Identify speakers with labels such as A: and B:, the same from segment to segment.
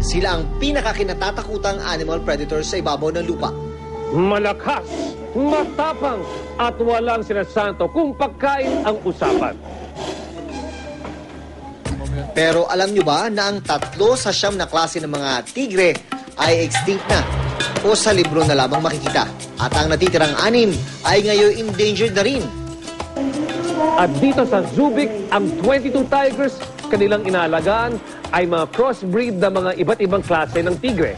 A: Sila ang pinakakinatatakutang animal predator sa ibabaw ng lupa.
B: Malakas, matapang, at walang sinasanto kung pagkain ang usapan.
A: Pero alam nyo ba na ang 3 sa 9 na klase ng mga tigre ay extinct na o sa libro na lamang makikita? At ang natitirang 6 ay ngayon endangered na rin.
B: At dito sa Zubik, ang 22 tigers kanilang inaalagaan ay mga crossbreed na mga iba't ibang klase ng tigre.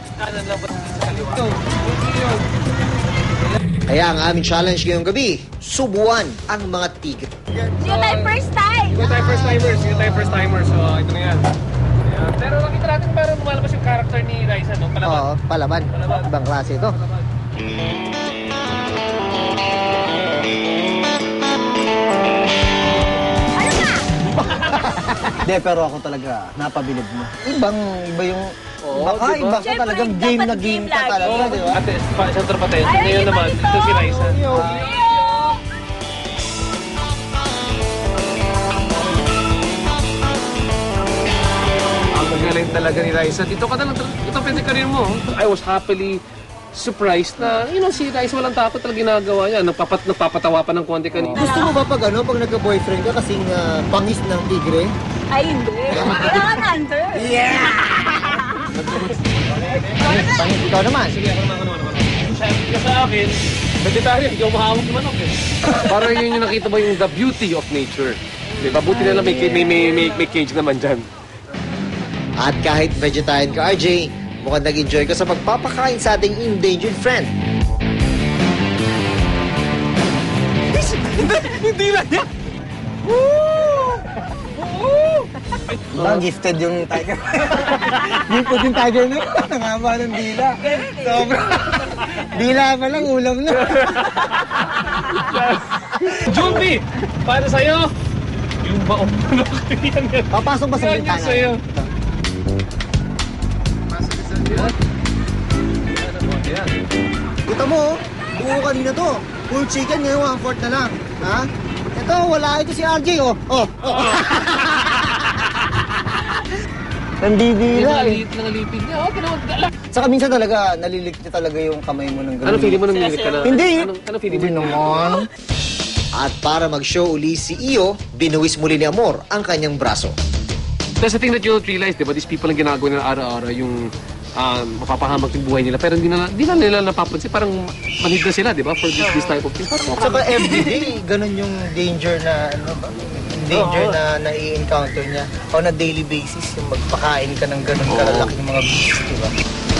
A: Kaya ang aming challenge ngayong gabi, subuan ang mga tigre.
C: Hindi tayo first time!
B: Hindi tayo first timers. So, ito na yan. Ayan. Pero nakita natin parang lumalabas yung character ni Raisa, no? Palaban.
A: Oo, palaban. Ibang klase ito.
C: Ano na?
D: Hindi, pero ako talaga, napabilib mo. Iba yung...
B: Oo,
D: baka
B: diba?
D: iba ka
C: Siyempre,
D: talagang
C: dapat
D: game na
C: game
D: game ka
C: lagi.
D: talaga, di ba?
B: Ate, isang tropaten.
C: Ay,
B: Ngayon
C: iba
B: naman,
C: dito.
B: ito si Raisa. Ang magaling talaga ni Raisa. Ito ka na lang, ito pwede career mo. I was happily surprised na, si Raisa walang takot talaga ginagawa niya. Nagpapatawa pa ng konti kanina.
A: Gusto mo ba pag pag nagka-boyfriend ka kasing pangis ng tigre?
C: Ay, hindi. Kailangan under.
A: Pangis ikaw naman.
B: Sige, ako naman. Sa akin, vegetarian, hindi ako mahawak ng manok eh. Parang yun yung nakita mo yung the beauty of nature. Diba? Buti na lang may cage naman dyan.
A: At kahit vegetarian ka, RJ, mukhang nag-enjoy ka sa pagpapakain sa ating endangered friend.
B: Hindi lang yan!
D: Diba, gifted yung tiger. Gifted yung tiger na yun. Nangaba ng dila. Sobra. Dila pa lang, ulam na.
B: Junbi! Para sa'yo! Yung baong manok. Yan.
A: Papasok ba sa
B: Yan
A: bintana?
B: sa'yo.
A: Kita mo, buo kanina to. Full chicken, ngayon 1/4 na lang. Ha? Ito, wala ito si RJ, oh.
D: Nandidila eh.
B: Nangalipid niya. Okay naman.
A: Saka minsan talaga, nalilikti talaga yung kamay mo ng gano'n.
B: Ano feeling mo nung nililit ka na?
D: Hindi.
B: Ano feeling mo?
D: Hindi naman.
A: At para mag-show uli si Iyo, binuwis muli ni Amor ang kanyang braso.
B: That's the thing that you'll realize, di ba? These people ang ginagawa nila araw-araw, yung mapapahamak yung buhay nila. Pero hindi na nila napapansin. Parang manhid na sila, di ba? For this type of thing.
A: Saka everyday, ganun yung danger na, na nai-encounter niya. O na daily basis, yung magpakain ka ng ganun kalalaking mga beasts, di ba?